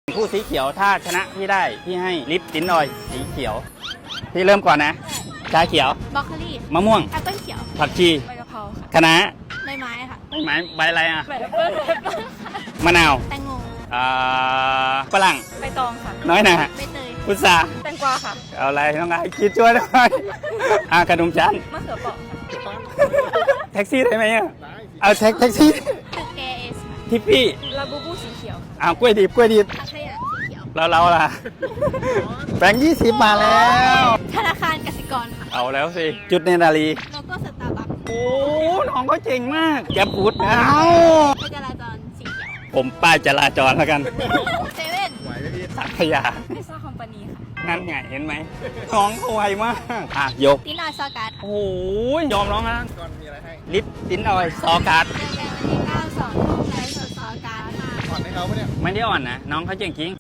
คู่สีเขียวถ้าชนะพี่ได้พี่ให้ลิปติ้นออยสีเขียวพี่เริ่มก่อนนะชาเขียวบรอกโคลีมะม่วงแอปเปิ้ลเขียวผักชีใบกะเพราค่ะคะน้าใบไม้ค่ะใบไม้ใบอะไรอ่ะใบแอปเปิ้ลค่ะมะนาวแตงโมฝรั่งใบตองค่ะน้อยหนาใบเตยพุทราแตงกวาค่ะเอาอะไรน้องไอ้คิดช่วยหน่อยขนมชั้นมะเขือเปราะค่ะแท็กซี่ได้ไหมอ่ะเอาแท็กซี่ตึกแกเอสค่ะทิปปี้ลาบูบูสีเขียวค่ะเอากล้วยดิบถัอาขยะสีเขียวเราล่ะแบงค์20 มาแล้วธนาคารกสิกรค่ะเอาแล้วสิจุดเนนารีโลโก้สตาร์บัคโอ้น้องเขาเจ๋งมากแกพูดเอาไฟจราจรสีเขียวผมป้ายจราจรแล้วกันเซเว่นสักยาพิซซ่าคอมพานีค่ะนั่นไงเห็นไหมน้องเขาไวมากยกตินอยซอการ์ดค่ะโอ้ยยอมน้องนะลิปติ้นออยซอการ์ดเจอกันวันที่9 2 ทุ่มไลฟ์สดซอการ์ดค่ะไม่ได้อ่อนนะ น้องเขาเจ๋งจริง